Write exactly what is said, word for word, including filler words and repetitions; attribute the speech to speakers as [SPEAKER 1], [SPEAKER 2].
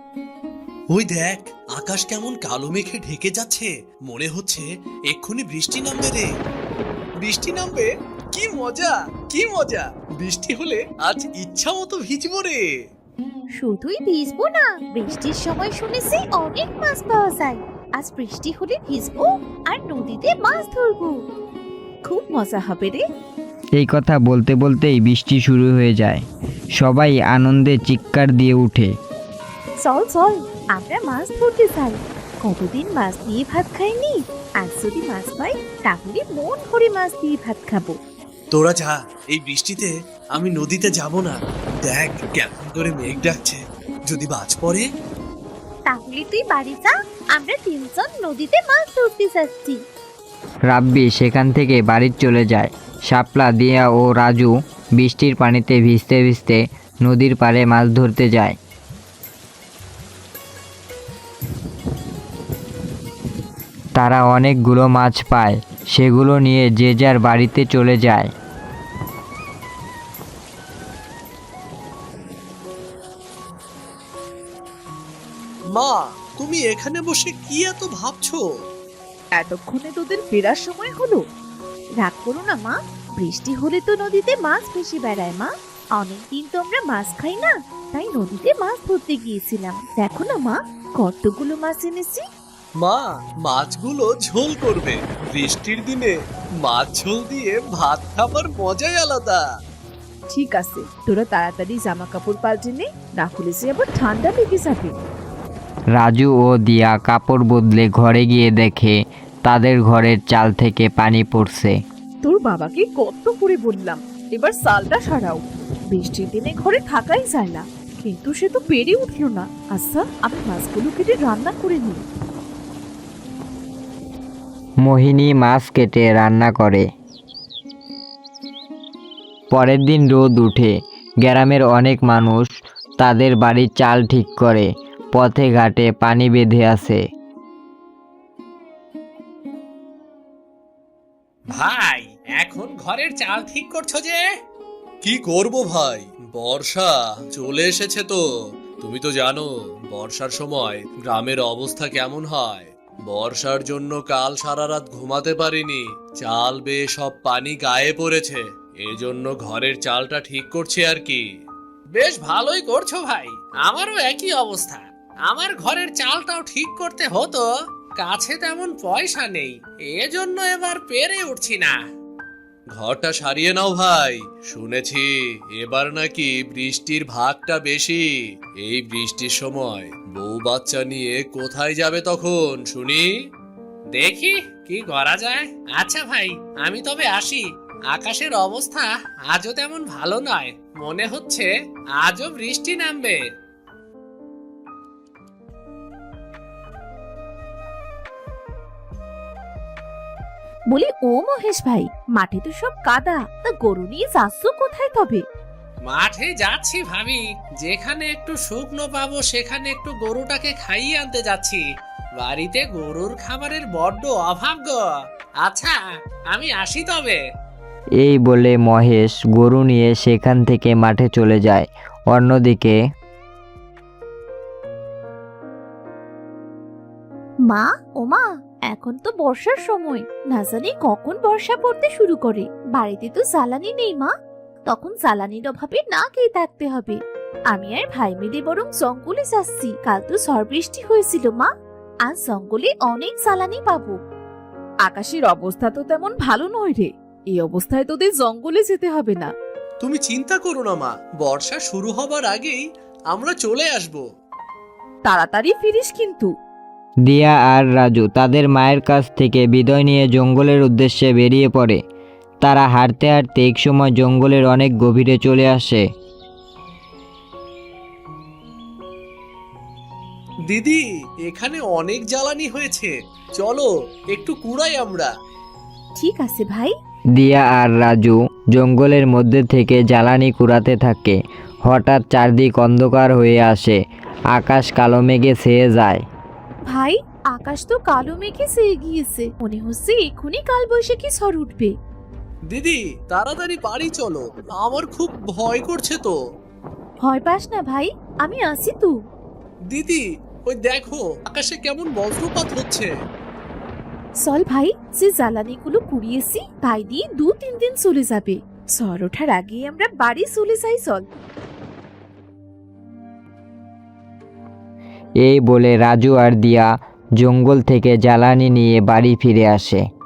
[SPEAKER 1] ওই দেখ, আকাশ কেমন কালো মেঘে ঢেকে যাচ্ছে, মনে হচ্ছে এক্ষুনি বৃষ্টি নামবে রে। বৃষ্টি নামবে? কি মজা, কি মজা! বৃষ্টি হলে আজ ইচ্ছা মতো ভিজবো রে।
[SPEAKER 2] শুধুই ভিজবো না, বৃষ্টির সময় শুনেছি অনেক মাছ পাওয়া যায়। আজ বৃষ্টি হলে ভিজবো আর নদীতে মাছ ধরবো। খুব মজা হবে রে।
[SPEAKER 3] এই কথা বলতে বলতেই বৃষ্টি শুরু হয়ে যায়। সবাই আনন্দে চিৎকার দিয়ে ওঠে।
[SPEAKER 2] চল চল, আমরা মাছ ধরতে যাই। কতদিন মাছ দিয়ে ভাত খাইনি, আজ যদি মাছ পাই তাহলে মন ভরে মাছ দিয়ে ভাত খাবো।
[SPEAKER 1] তোরা যা, এই বৃষ্টিতে আমি নদীতে যাব না। দেখ কেমন করে মেঘ ডাকছে, যদি বাজ পড়ে।
[SPEAKER 2] তাহলে তুই বাড়ি যা, আমরা তিনজন নদীতে মাছ ধরতে যাচ্ছি।
[SPEAKER 3] রাব্বি সেখান থেকে বাড়ি চলে যায়। শাপলা, দিয়া ও রাজু বৃষ্টির পানিতে ভিজতে ভিজতে নদীর পাড়ে মাছ ধরতে যায়। তারা অনেকগুলো মাছ পায়, সেগুলো নিয়ে যে যার বাড়িতে চলে যায়।
[SPEAKER 1] মা, তুমি এখানে বসে কি এত ভাবছো?
[SPEAKER 2] এতক্ষণে তোদের ফেরার সময় হলো। রাগ করো না মা, বৃষ্টি হলে তো নদীতে মাছ ভেসে বেড়ায় মা। অনেকদিন তো আমরা মাছ খাই না, তাই নদীতে মাছ ধরতে গিয়েছিলাম। দেখো না মা, কতগুলো মাছ এনেছি।
[SPEAKER 1] মা, মাছগুলো ঝোল করবে। বৃষ্টির দিনে মাছ ঝোল দিয়ে ভাত খাবার মজাই আলাদা।
[SPEAKER 4] ঠিক আছে, তোরা তাড়াতাড়ি জামা কাপড় পাল্টে নে, না হলে সে আবার ঠান্ডা লেগে যাবে।
[SPEAKER 3] রাজু ও দিয়া কাপড় বদলে ঘরে গিয়ে দেখে তাদের ঘরের চাল থেকে পানি পড়ছে।
[SPEAKER 4] তোর বাবাকে কত করে বললাম এবার সালটা সারাও, বৃষ্টির দিনে ঘরে থাকাই যায় না, কিন্তু সে তো পেরে উঠলো না। আচ্ছা, আমি মাছগুলো কেটে রান্না করে নিই।
[SPEAKER 3] মোহিনী মাছ কেটে রান্না করে। পরের দিন রোদ উঠে, গ্রামের অনেক মানুষ তাদের বাড়ির চাল ঠিক করে। পথে ঘাটে পানি বেঁধে আছে।
[SPEAKER 5] ভাই, এখন ঘরের চাল ঠিক করছো যে?
[SPEAKER 1] কি করব ভাই, বর্ষা চলে এসেছে তো। তুমি তো জানো বর্ষার সময় গ্রামের অবস্থা কেমন হয়। বর্ষার জন্য কাল সারা রাত ঘুমাতে পারিনি, চাল বেয়ে সব পানি গায়ে পড়েছে। এজন্য ঘরের চালটা ঠিক করছি আর কি।
[SPEAKER 5] বেশ ভালোই করছো ভাই, আমারও একই অবস্থা। আমার ঘরের চালটাও ঠিক করতে হতো, কাছে তেমন পয়সা নেই, এজন্য এবার পেরে উঠছি না।
[SPEAKER 1] ঘরটা সারিয়ে নাও ভাই, শুনেছি এবার নাকি বৃষ্টির ভাগটা বেশি। এই বৃষ্টির সময় বউ বাচ্চা নিয়ে কোথায় যাবে তখন শুনি?
[SPEAKER 5] দেখি কি করা যায়। আচ্ছা ভাই, আমি তবে আসি। আকাশের অবস্থা আজও তেমন ভালো নয়, মনে হচ্ছে আজও বৃষ্টি নামবে।
[SPEAKER 2] বলি ও মহেশ ভাই, মাঠে তো সব কাদা, তা গরু নিয়ে যাচ্ছ কোথায় তবে?
[SPEAKER 5] মাঠে যাচ্ছি ভাবি, যেখানে একটু শুকনো পাবো সেখানে একটু গরুটাকে খাইয়ে আনতে যাচ্ছি। বাড়িতে গরুর খাবারের বড্ড অভাব গো। আচ্ছা, আমি আসি তবে।
[SPEAKER 3] এই বলে মহেশ গরু নিয়ে সেখান থেকে মাঠে চলে যায়। অন্যদিকে
[SPEAKER 2] মা, ও মা, এখন তো বর্ষার সময়, না জানি কখন বর্ষা পড়তে শুরু করে। বাড়িতে তো জ্বালানি নেই মা, তখন জ্বালানির অভাবে না খেয়ে থাকতে হবে। আমি আর ভাই মিলে বরং জঙ্গলে যাচ্ছি। কাল তো ঝড় বৃষ্টি হয়েছিল মা, আজ জঙ্গলে অনেক জ্বালানি পাবো।
[SPEAKER 4] আকাশের অবস্থা তো তেমন ভালো নয় রে, এই অবস্থায় তোদের জঙ্গলে যেতে হবে না।
[SPEAKER 1] তুমি চিন্তা করো না মা, বর্ষা শুরু হবার আগেই আমরা চলে আসব।
[SPEAKER 4] তাড়াতাড়ি ফিরিস কিন্তু।
[SPEAKER 3] দিয়া আর রাজু তাদের মায়ের কাছ থেকে বিদায় নিয়ে জঙ্গলের উদ্দেশ্যে বেরিয়ে পড়ে। তারা হাঁটতে হাঁটতে একসময় জঙ্গলের অনেক গভীরে চলে আসে।
[SPEAKER 1] দিদি, এখানে অনেক জ্বালানি হয়েছে, চলো একটু কুড়াই আমরা।
[SPEAKER 2] ঠিক আছে ভাই।
[SPEAKER 3] দিয়া আর রাজু জঙ্গলের মধ্যে থেকে জ্বালানি কুড়াতে থাকে। হঠাৎ চারদিক অন্ধকার হয়ে আসে, আকাশ কালো মেঘে ছেয়ে যায়।
[SPEAKER 2] ভাই, আকাশ তো কালো মেঘে ছেয়ে গিয়েছে, মনে হচ্ছে এখনই কাল বৈশাখী ঝড় উঠবে।
[SPEAKER 1] দিদি তাড়াতাড়ি বাড়ি চলো, আমার খুব ভয় করছে তো।
[SPEAKER 2] ভয় পাস না ভাই, আমি আছি তো।
[SPEAKER 1] দিদি, ওই দেখো আকাশে কেমন বজ্রপাত হচ্ছে।
[SPEAKER 2] চল ভাই, যে জ্বালানিগুলো কুড়িয়েছি তাই দিয়ে দু তিন দিন চলে যাবে। ঝড় ওঠার আগে আমরা বাড়ি চলে যাই চল।
[SPEAKER 3] এই বলে রাজু আর দিয়া জঙ্গল থেকে জ্বালানি নিয়ে বাড়ি ফিরে আসে।